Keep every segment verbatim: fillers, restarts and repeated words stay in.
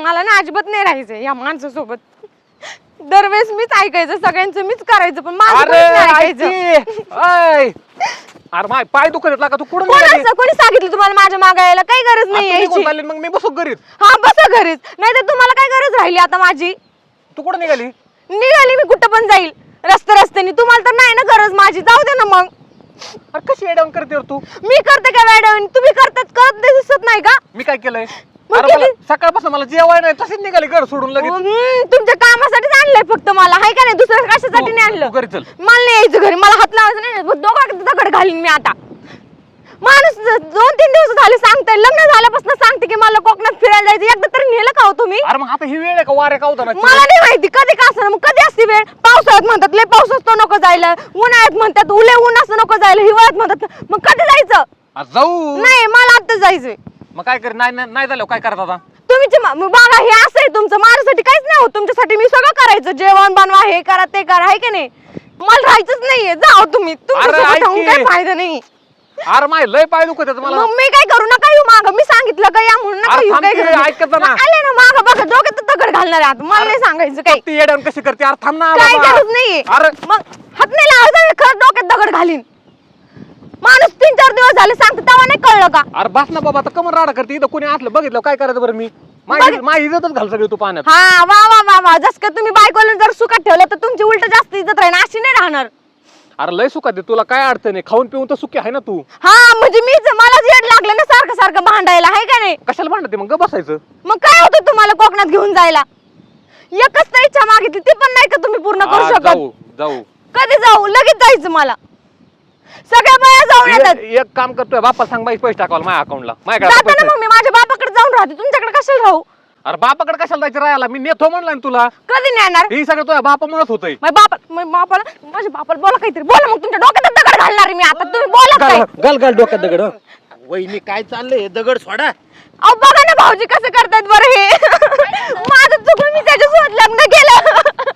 मला ना अजिबात नाही राहायचं या माणसासोबत. दरवेळेस मीच ऐकायचं, सगळ्यांचं मीच करायचं, पण माझं कोणीच नाही ऐकायचं. अरे माय पाय दुखत येतला का तू कुठं कोणाचं कोणी सांगितलं तुम्हाला माझ्या मागे यायला? काही गरज नाही यायची. मग मी बसू घरीच. हा बसा घरीच, नाही तर तुम्हाला काय गरज राहिली आता माझी? तू कुठं निघाली? निघाली मी कुठं पण जाईल रस्ते रस्त्याने, तुम्हाला तर नाही ना गरज माझी, जाऊ दे ना मग. अरे कशी एडाऊन करते रे तू? मी करते का मॅडम? तुम्ही करतात, करत नाही दिसत नाही का? मी काय केलंय? मग अरे मला किती- सकाळपासून मला जेवाय नाही, तशीच निघाली घर सोडून लगेच. हम्म, तुमच्या कामासाठीच आणलंय फक्त मला, हाय का नाही? दुसऱ्या कशासाठी नाही आणलं. तू घरी चल. मला नाही यायचं घरी, मला हात लावायचं नाही. दोघांकडे दगड घालीन मी आता. माणूस दोन तीन दिवस झाले सांगताय, लग्न झाल्यापासून सांगते की मला कोकणात फिरायला जायचं. एकदा तरी नेलं का हो तुम्ही? अरे मग आता ही वेळ आहे का वाऱ्या का मला नाही माहिती कधी का असं. मग कधी असते वेळ? पावसाळ्यात म्हणतात लय पाऊस असतो नको जायला, उन्हाळ्यात म्हणतात उले ऊन असं नको जायला, हिवाळ्यात म्हणतात. मग कधी जायचं? जाऊ. नाही मला आता जायचंय. मग काय कर? नाही नाही झालं काय करत आता? तुम्ही बघा हे असं आहे तुमचं, माझ्यासाठी काहीच नाही होत. तुमच्यासाठी मी सगळं करायचं, जेवण बनवा, हे करा ते करा, आहे का नाही? मला राहायचंच नाहीये, जाओ तुम्ही. तुमच्यासोबत राहून काही फायदा नाही. अरे माय लय पाय दुखत येत मला. मग मी काय करू? नका येऊ मागं, मी सांगितलं का या म्हणून नका येऊ. काय करू? ऐकत ना. आले ना मागं बघा, डोक्यात दगड घालणार आहे आता. मला नाही सांगायचं काही. ती एडाऊन कशी करते? अरे थांब ना काय बाबा. गरज नाहीये. अरे मग हात नाही लावायचा, खरं डोक्यात दगड घालीन. माणूस तीन चार दिवस झाले सांगतो तेव्हा नाही कळलं का? अरे बस ना बाबा, आता कमर राडा करते. इथं कोणी असलं बघितलं काय करायचं बरं? मी माझी माझी इज्जतच घाल सगळी तू पाण्यात. हा वा वा वा वा, जस का तुम्ही बायकोला जर सुखात ठेवलं तर तुमची उलट जास्त इज्जत राहील, अशी नाही राहणार. अरे लय सुखात आहे, तुला काय अडचण आहे? खाऊन पिऊन तर सुखी आहे ना तू. हा म्हणजे मीच मलाच येड लागलं ना सारखं सारखं भांडायला, आहे का नाही? कशाला भांडते मग? गप बसायचं. मग काय होतं तुम्हाला कोकणात घेऊन जायला? एकच तर इच्छा मागितली, ती पण नाही का तुम्ही पूर्ण करू हा, शकत? जाऊ जाऊ कधी जाऊ? लगेच जायचं मला. सगळ्या बाया जाऊन येतात. एक एक काम करतोय, बापा सांग बाई पैसे टाकावला माझ्या अकाउंटला. माझ्याकडे जाता पैसे ना मग मी माझ्या बापाकडे जाऊन राहते, तुमच्याकडे कशाला राहू? अरे बापाकडे कशाला जायचं राहायला? मी नेतो म्हणलं ना तुला. कधी नेणार? ही सगळं तुझ्या बापामुळेच होतंय. माझ्या बापा माझ्या बापाला माझ्या बापाला बोला काहीतरी बोला. मग तुमच्या डोक्यात दगड घालणार आहे मी आता, तुम्ही बोला काय? गल गल डोक्यात दगड. वहिनी काय चाललंय? दगड सोडा. अहो बघा ना भाऊजी कसं करतात बरं हे. माझं चुकलं, मी त्याच्यासोबत लग्न केलं.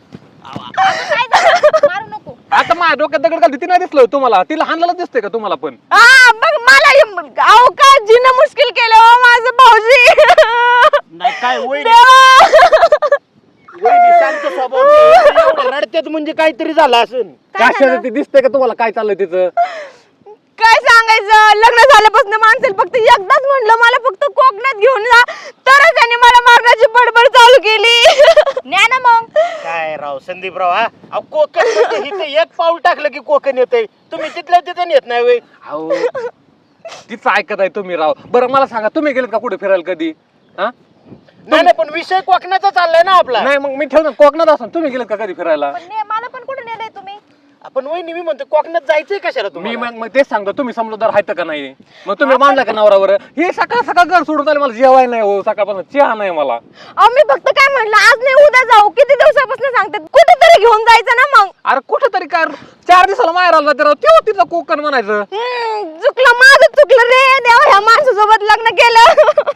मारू नको. आता माझ्या डोक्यात दगड घालते, ती नाही दिसलं तुम्हाला? तिला हाणलेलं दिसतंय का तुम्हाला पण? हा बघ मला हे- अहो काय जिनं मुश्किल केलं हो माझं भाऊजी. नाही काय वहिनी देवा. वहिनी शांत स्वभाव रडत्यात म्हणजे काहीतरी झालं असेल. कशाला ती दिसतंय का तुम्हाला काय चाललंय तिचं? काय सांगायचं, लग्न झाल्यापासून माणसाला फक्त एकदाच म्हणलं मला फक्त कोकणात घेऊन जा, तरच त्याने मला मारण्याची बडबड चालू केली. न्या ना मग. काय राव संदीपराव, हा अहो कोकण म्हणजे इथे एक पाऊल टाकलं की कोकण येतंय. तुम्ही तिथल्या तिथं येत नाही वय. अहो तिचं ऐकत आहे तुम्ही राव. बरं मला सांगा, तुम्ही गेलेत का कुठे फिरायला कधी? हा नाही नाही, पण विषय कोकणाचा चाललाय ना आपला. नाही मग मी ठेवतो कोकणात असून. तुम्ही गेलेत का कधी फिरायला? मला पण कुठे नेलंय तुम्ही? आपण वहिनी मी म्हणतो कोकणात जायचंय कशाला मी तुम्ही? मग मग तेच सांगतो, तुम्ही समजदार आहेत का नाही? मग तुम्ही मानला का नवरावर? हे सकाळ सकाळ घर सोडून आले, मला जेवाय नाही हो, सकाळपासून चहा नाही मला. अहो मी फक्त काय म्हणलं, आज नाही उद्या जाऊ. किती दिवसापासून सांगतात कुठेतरी घेऊन जायचं ना मग. अरे कुठं तरी काय चार दिवसाला माहेर आला तर तेव्हा तिथं कोकण म्हणायचं. हम्म, चुकलं माझं चुकलं रे देवा, ह्या माणसासोबत लग्न केलं.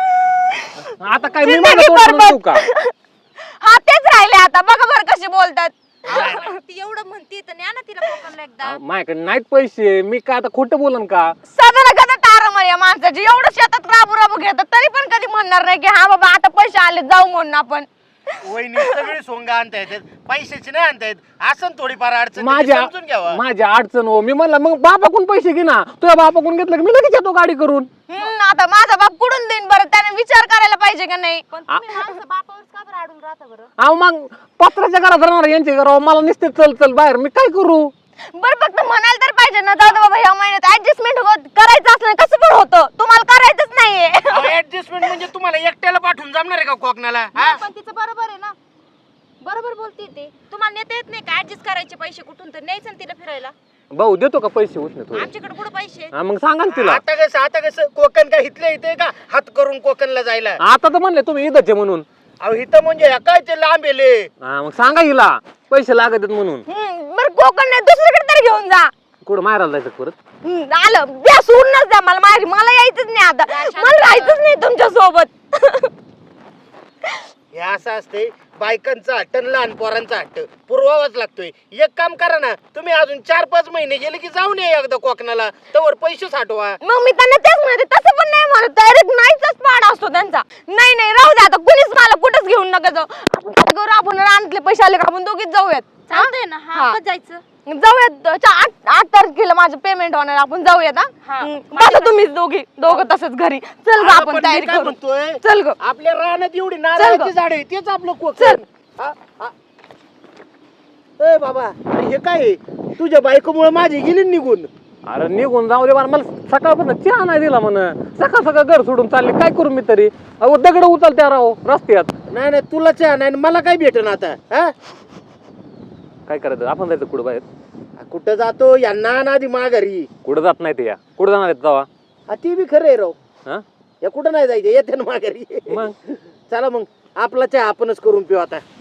आता काय मी जिंदगी माझं तोंड बरबाद. म्हणू का? हा तेच राहिले आता, बघा बरं कशी बोलतात. ती एवढं म्हणते तर न्या ना तिला कोकणला एकदा. अहो, माझ्याकडे नाहीत पैसे, मी काय आता खोटं बोलन का? साधारण कदा तारमळ या माणसाची, एवढं शेतात राबू राबू घेतात तरी पण कधी म्हणणार नाही की हा बाबा आता पैसे आले जाऊ म्हणून आपण. वहिनी सगळी सोंगा आणता येतात, पैशाची नाही आणता येत. असं थोडीफार अडचण माझ्या समजून घ्यावा. माझ्या अडचण हो. मी म्हणलं मग बापाकडून पैसे घे ना. तुझ्या बापाकडून घेतलं की मी लगेच येतो गाडी करून. हम्म, आता माझा बाप कुठून देईन बरं, त्याने विचार करायला पाहिजे का नाही? पण तुम्ही माणसं बापावर का बरं अडून राहता बरं? अहो मग पत्राच्या घरात राहणार यांच्या घरावर मला नुसते चल चल बाहेर, मी काय करू? बरं फक्त म्हणायला तर पाहिजे ना, जाऊ दे बाबा ह्या महिन्यात ऍडजस्टमेंट करायचं असलं कसं पण होतं, तुम्हाला करायचंच नाहीये. ऍडजस्टमेंट म्हणजे तुम्हाला एकट्याला पाठवून जमणार आहे का कोकणाला? हा? पण तिचं बरोबर आहे ना, बरोबर बोलते ते. तुम्हाला नेता येत नाही का ऍडजस्ट करायचे पैसे कुठून तर न्यायचं ना तिला फिरायला? भाऊ देतो का पैसे उष्ण थोडे? आमच्याकडे कुठं पैसे आहेत? हा, मग सांगा ना तिला. आता कसं आता कसं कोकण काय इथल्या इथे का हात करून कोकणला जायला? आता तर म्हणले तुम्ही इथंच आहे म्हणून. अहो इथं म्हणजे ह्या काय ते लांब येले. हा, मग सांगा हिला पैसे लागत आहेत म्हणून. हम्म, बरं कोकण नाही दुसरीकडे तरी घेऊन जा. कुठं मारायला जायचं परत? हम्म, आलं द्या, सोडूनच द्या मला माहेरी, मला यायचंच नाही आता, मला राहायचंच नाही तुमच्या सोबत. हे असं असते, बायकांचा हट्ट आणि लहान पोरांचा हट्ट पुरवावाच लागतोय. एक काम करा ना, तुम्ही अजून चार पाच महिने गेले की जाऊन या एकदा कोकणाला, तवर पैसे साठवा. मग मी त्यांना तेच म्हणते, तसं पण नाही म्हणत, डायरेक्ट नाहीचाच पाड असतो त्यांचा. नाही नाही राहू द्या आता, कुणीच मला घेऊन नका जाऊ. आपण काय करू, आपण रानातले पैसे आले का आपण दोघीच जाऊयात. चालतंय ना. हा. हा, कधी जायचं? जाऊयात चा- आठ आठ तारखेला माझं पेमेंट होणार, आपण जाऊयात. हा हा. हम्म, बसा तुम्हीच दोघी दोघं तसंच घरी. चल ग अगं, आपण पण मी तयारी काय करू. म्हणतोय, चल ग. आपल्या रानात एवढी चल नारळाची गं. झाड आहे, तेच आपलं चल. कोकण. हा, हा. ए बाबा, अरे हे काय आहे? तुझ्या बायकोमुळे माझी गेली ना निघून. अरे निघून जाऊ दे, मला सकाळपासून चहा नाही दिला म्हण. सकाळ सकाळ घर सोडून चालले, काय करू मी तरी? अहो दगड उचलत्या राव रस्त्यात. नाही नाही, तुला चहा नाही आणि मला काय भेटन आता? हा, काय करायचं, आपण जायचं कुठं बाहेर? कुठं जातो यांना ना आधी माघारी. कुठं जात नाही ते या, कुठं जाणार आहेत जावा? हा, ती बी खरं आहे राव. हा या कुठं नाही जायचं, येते ना माघारी. मग चला मग आपला चहा आपणच करून पिऊ आता.